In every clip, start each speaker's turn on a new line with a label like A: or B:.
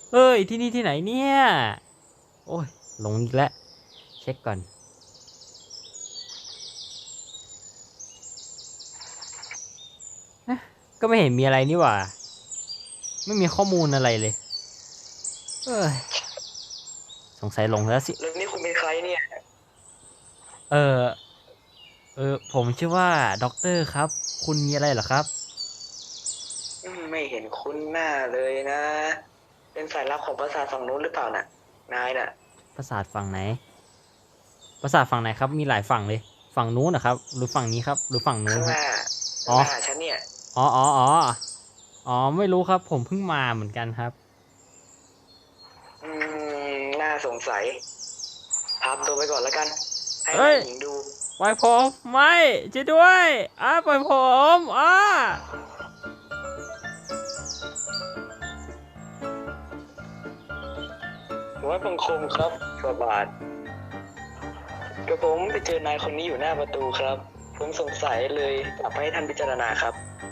A: เอ้ยที่นี่ที่ไหนเนี่ยโอ้ยหลงอีกแล้วเช็คก่อนก็ไม่เห็นมีอะไรนี่หว่าไม่มีข้อมูลอะไรเลยเอ้ยสงสัยหลงแล้วสิ
B: แล้วนี่คุณเป็นใครเนี่ย
A: เออผมชื่อว่าด็อกเตอร์ครับคุณมีอะไรเหรอครับ
B: ไม่เห็นคุ้นหน้าเลยนะ เป็นสายลับของปราสาทฝั่งนู้นหรือเปล่าน่ะนายน่ะ
A: ปราสาทฝั่งไหนปราสาทฝั่งไหนครับมีหลายฝั่งเลยฝั่งนู้นนะครับหรือฝั่งนี้ครับหรือฝั่งนู้นฮะ
B: ข้างหน้า
A: อ๋อ
B: หน้าฉันเนี่ย
A: อ๋อไม่รู้ครับผมเพิ่งมาเหมือนกันครับ
B: น่าสงสัยพาตัวไปก่อนแล้วกันให้
A: เอ้ย
B: นายหญิงดู
A: ปล่อยผมไม่ช่วยด้วยปล่อยผม
B: หัวบังคมครับสบาทกระผมไปเจอนายคนนี้อยู่หน้าประตูครับ ผมสงสัยเลยจับให้ท่านพิจารณาครับ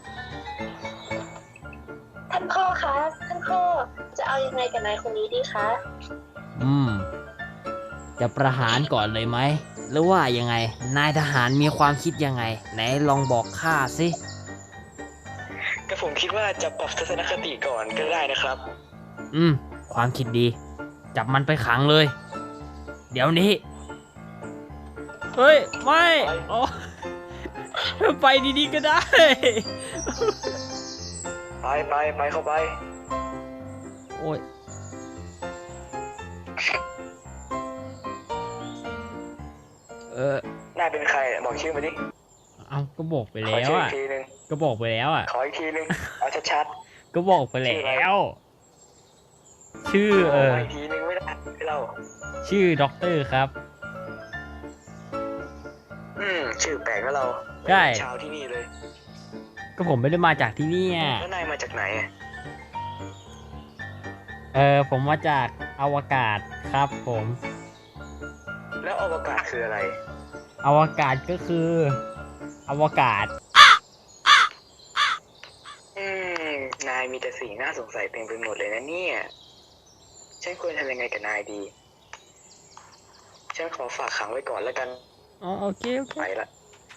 C: ท่านพ่อคะท่านพ่อจะเอายังไงกับนายคนนี้ดีคะ
A: อืมจะประหารก่อนเลยไหมหรือว่ายังไงนายทหารมีความคิดยังไงไหนลองบอกข้าสิ
B: กระผมคิดว่าจะปรับทัศนคติก่อนก็ได้นะครับ
A: อืมความคิดดีจับมันไปขังเลยเดี๋ยวนี้เฮ้ยไม่อ๋อไปดีๆก็ได้
B: ไปเข้าไป
A: โอ้ยเออน
B: ายเป็นใครเนี่ยบอกชื่อมาดิ
A: เอาก็บอกไป
B: ขอ
A: แล้ว
B: ชื่ออี
A: อ่ะ
B: กทีนึง
A: ก็บอกไปแล้วอ่ะ
B: ขออีกทีนึงเอาชัด
A: ก็บอกไป
B: ๆชื่ออะไร
A: แล้วชื่อ
B: บอกมาอีกทีนึงไม่ได้ให้เรา
A: ชื่อด็อกเตอร์ครับ
B: ชื่อแปลกแล้วเรา
A: ใช่
B: ชาวที่นี่เลย
A: ก็ผมไม่ได้มาจากที่นี่
B: แล้วนายมาจากไหนอะ
A: ผมมาจากอวกาศครับผม
B: แล้วอวกาศคืออะไร
A: อวกาศก็คืออวกาศ
B: อืมนายมีแต่สิ่งน่าสงสัยเต็มไปหมดเลยนะเนี่ยฉันควรทำยังไงกับนายดีฉันขอฝากขังไว้ก่อนแล้วกัน
A: อ๋อโอเค
B: ไปละ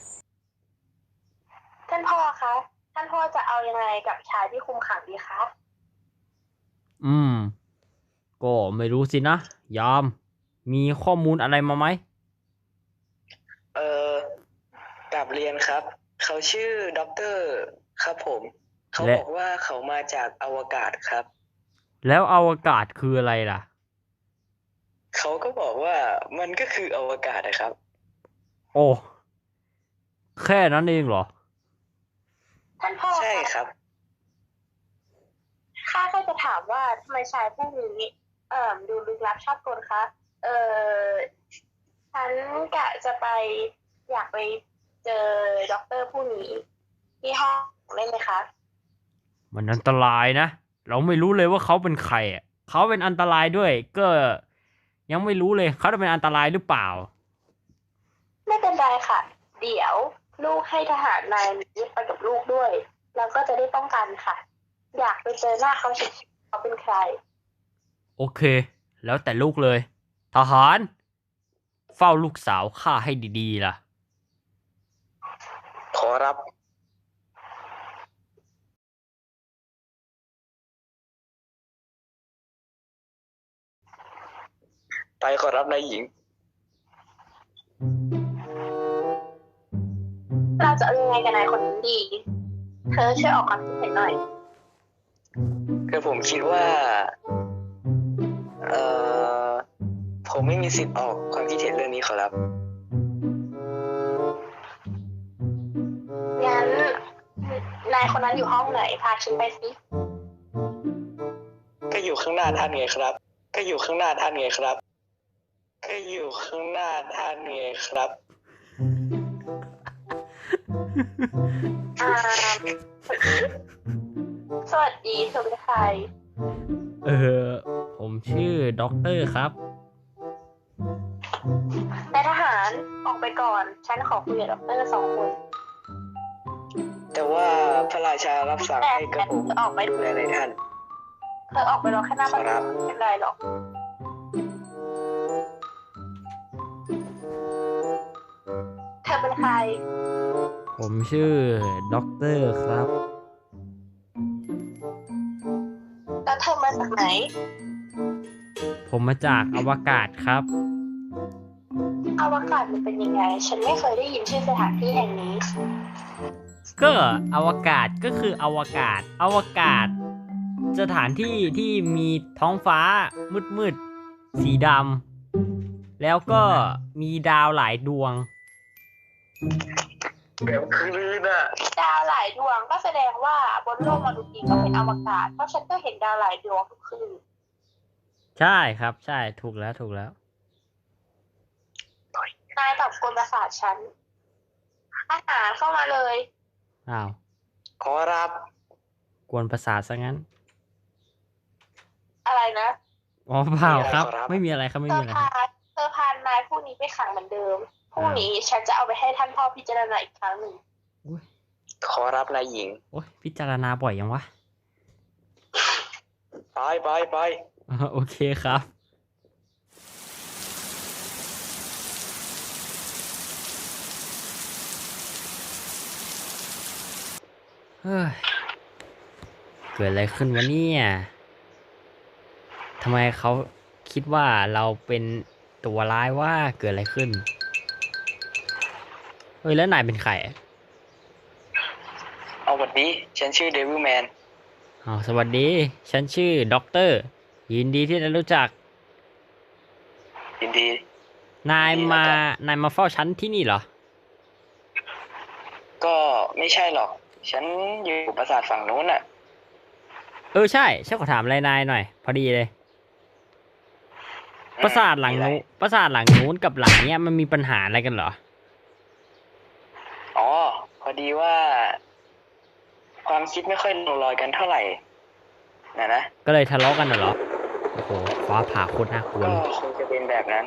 C: ท่านพ่อคะท่านพ่อจะเอายังไงกับชายที่คุมขังดีคะ
A: อืมก็ไม่รู้สินะยามมีข้อมูลอะไรมาไหม
B: เออกลับเรียนครับ เขาชื่อด็อกเตอร์ครับผมเขา
A: และ
B: บอกว่าเขามาจากอวกาศครับ
A: แล้วอวกาศคืออะไรล่ะ
B: เขาก็บอกว่ามันก็คืออวกาศนะครับ
A: โอ้แค่นั้นเองเหรอ
C: ท่านพ่อ
B: ใช่
C: คะ
B: ครับ
C: ข้าก็จะถามว่าทำไมชายผู้นี้ดูลึกลับชอบกลคะเออฉันกะจะไปอยากไปเจอด็อกเตอร์ผู้นี้ที่ห้องได้ไหมคะ
A: มันอันตรายนะเราไม่รู้เลยว่าเขาเป็นใครอ่ะเขาเป็นอันตรายด้วยก็ยังไม่รู้เลยเขาจะเป็นอันตรายหรือเปล่า
C: ไม่เป็นไรค่ะเดี๋ยวลูกให้ทหารนายนี้ไปกับลูกด้วยเราก็จะได้ป้องกันค่ะอยากไปเจอหน้าเขาเฉยๆเขาเป็นใคร
A: โอเคแล้วแต่ลูกเลยทหารเฝ้าลูกสาวข้าให้ดีๆล่ะ
B: ขอรับไปขอรับนายหญิง
C: เราจะเอายังไงกับนายคนนี้ดี เธอช่วยออกความคิดเห็นหน่อย
B: คือผมคิดว่าเอ่อผมไม่มีสิทธิ์ออกความคิดเห็นเรื่องนี้ขอรับ
C: งั้นนายคนนั้นอยู่ห้องไหน พาฉันไปสิ
B: ก็อยู่ข้างหน้าท่านไงครับ ก็อยู่ข้างหน้าท่านไงครับ ก็อยู่ข้างหน้าท่านไงครับ
C: อ่าสวัสดีเธอเป็นใคร
A: เออผมชื่อด็อกเตอร์ครับ
C: นายทหารออกไปก่อน ฉันขอคุยกับด็อกเตอร์2 คน
B: แต่ว่าพระราชารับสั่ง
C: แต่
B: ให้กระผม
C: จะออกไป
B: ดูแลในท่าน
C: เธอออกไปรอแค่หน้าบ้าน
B: ครับ
C: ไม่เป็นไรหรอก เธอเป็นใคร
A: ผมชื่อด็อกเตอร์ครับ
C: แล้วเธอมาจากไหน
A: ผมมาจากอวกาศครับ
C: อวกาศมันเป็นยังไง ฉันไม่เคยได้ยินชื่อสถานที่แห่งนี้
A: ก็อวกาศก็คืออวกาศ อวกาศ สถานที่ที่มีท้องฟ้ามืดๆสีดำแล้วก็มีดาวหลายดวง
B: แบบคืนอ่ะ
C: ดาวหลายดวงก็แสดงว่าบนโลกมนุษย์นี้ก็เป็นอวกาศ เพราะฉันก็เห็นดาวหลายดวงทุกคืน
A: ใช่ครับ ใช่ถูกแล้วถูกแล้ว
C: นายตอบกวนประสาทฉัน อาหารเข้ามาเลย
A: อ้าว
B: ขอรับ
A: กวนประสาทซะงั้น
C: อะไรนะ
A: อ๋อเปล่าครับ
B: มีอะไรขอรับ
A: ไม่มีอะไรครับไม่
C: เธ
A: มี
C: อ
A: อะไร
C: พานนายผู้นี้ไปขังเหมือนเดิม พรุ่งนี้ฉันจะเอาไปให้ท่านพ่อพิจารณาอีกครั้งหนึ่ง
A: อุ๊ย
B: ขอรับนายหญิง
A: โอ้ยพิจารณาบ่อยยังวะ
B: ไป
A: โอเคครับ เฮ้ย เกิดอะไรขึ้นวะเนี่ยทำไมเขาคิดว่าเราเป็นตัวร้ายว่าเกิดอะไรขึ้น เฮ้ย แล้วนายเป็นใครอะ
B: เอาวันนี้ฉันชื่อเดวิลแมน
A: อ๋อสวัสดี ฉันชื่อด็อกเตอร์ ยินดีที่ได้รู้จัก
B: ยินดี
A: นาย
B: ยินดี
A: มา
B: แล้วกัน
A: นายมาเฝ้าฉันที่นี่เหรอ
B: ก็ไม่ใช่หรอก ฉันอยู่ปราสาทฝั่งนู้นอ่ะ
A: เออใช่ฉันขอถามอะไรนายหน่อย พอดีเลย ปราสาทหลังนู้นปราสาทหลังนู้นกับหลังเนี้ยมันมีปัญหาอะไรกันเหรอ
B: อ๋อ พอดีว่า ความคิดไม่ค่อยลงรอยกันเท่าไหร่นะ
A: ก็เลยทะเลาะกันน่ะเหรอ โอ้โห ฟ้าผ่าโคตรน่ากลัว
B: ก็
A: เลย
B: คงจะเป็นแบบนั้น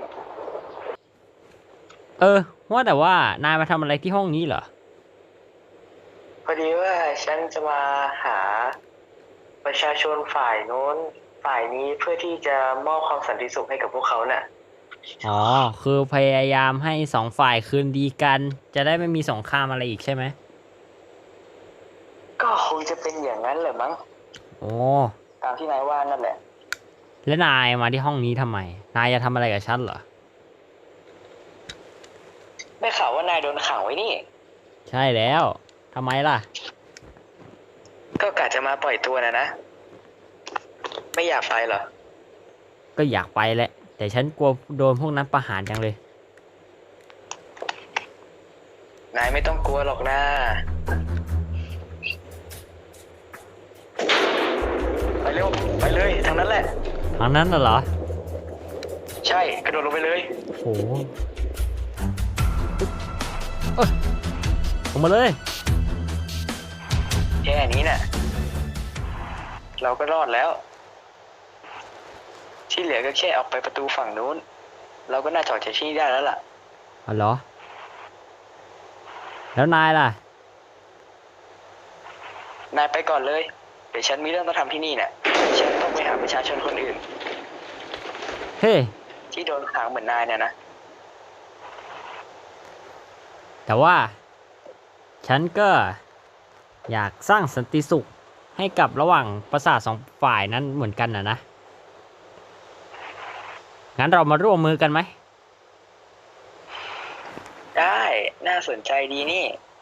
A: เออ ว่าแต่ว่านายมาทำอะไรที่ห้องนี้เหรอ
B: พอดีว่าฉันจะมาหาประชาชนฝ่ายโน้น ฝ่ายนี้เพื่อที่จะมอบความสันติสุขให้กับพวกเขาน่ะ
A: อ๋อ คือพยายามให้สองฝ่ายคืนดีกัน จะได้ไม่มีสงครามอะไรอีกใช่ไหม
B: ก็คงจะเป็นอย่างนั้นแหละมั้ง
A: โอ้
B: ตามที่นายว่านั่นแหละ
A: แล้วนายมาที่ห้องนี้ทำไม นายจะทำอะไรกับฉันเหรอ
B: ได้ข่าวว่านายโดนขังไว้นี่
A: ใช่แล้วทำไมล่ะ
B: ก็กะจะมาปล่อยตัวนะ ไม่อยากไปเหรอ
A: ก็อยากไปแหละ แต่ฉันกลัวโดนพวกนั้นประหารจังเลย
B: นายไม่ต้องกลัวหรอกนะ ไปเร็ว ไปเลยทางนั้นแหละ
A: ทางนั้นน่ะเหรอ
B: ใช่ กระโดดลงไปเลย
A: โอ้โหเอ้ยลงมาเลย
B: แค่นี้น่ะ เราก็รอดแล้ว ที่เหลือก็แค่ออกไปประตูฝั่งนู้น เราก็น่าจะออกจากที่นี่ได้แล้วล่ะ
A: อ๋อเหรอ แล้วนายล่ะ
B: นายไปก่อนเลย เดี๋ยวฉันมีเรื่องต้องทำที่นี่น่ะ ฉันต้องไปหาประชาชนคนอื่น
A: เฮ้ย
B: ที่โดนขังเหมือนนายเนี่ยนะ
A: แต่ว่า ฉันก็อยากสร้างสันติสุขให้กับระหว่างประสาทสองฝ่ายนั้นเหมือนกันนะ งั้นเรามาร่วมมือกันไหม
B: ได้ น่าสนใจดีนี่